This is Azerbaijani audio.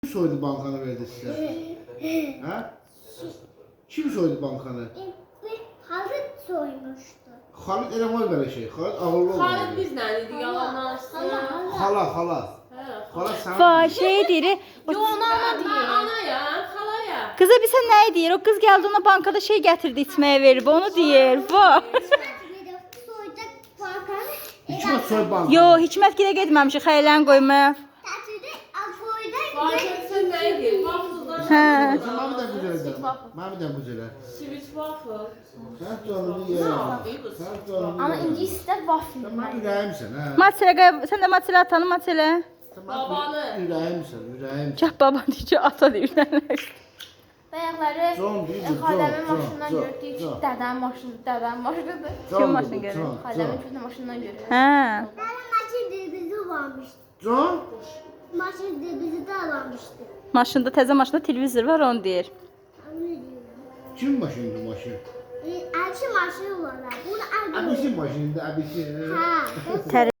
soydu bankanı verdi size? Ha? Kim soydu bankanı? Halit soymuştu. Halit eləmək belə şey. Halit ağıllı olmalı. Halit bizlə idi, yalandan danışsın. Hala. Hala sen. Va şey deyir. Yo, ona ana deyir. Anaya, xalaya. Kıza bir sen ne deyir? O kız geldi ona bankada şey getirdi içmeye verib. Onu deyir. Va. Soyacak bankanı. Hikmet soy bankanı. Yo Hikmet gidə getməmişik xəylən qoymaya. Tatilde soyacak. Farketsin neydi? Waffle'dan. Hə. Mami de güzel. Mami de güzel. Sweet waffle. Sen canını ye. Sen canını Ama ye. ince ister waffle. Sen bana yüreğimsin ha. Matelə sen də matelə atanı matelə. Sen bana Babanı. yüreğimsin. Gah baba deyir ata deyir. Bayaqları Can deyir, can, Xadəmin can, maşından can, gördük. can. Dədənin maşınıdır. Kim maşın görür? Xadəmin köhnə maşından görür. Hə. Dədəm maşın bizi almışdı. Can? Maşın bizi də almışdı. Maşında təzə maşında televizor var onu deyir. Kim maşındı maşın? Elçi maşını var. Bunu aldım. Abisi maşındı abisi. Ha. Tər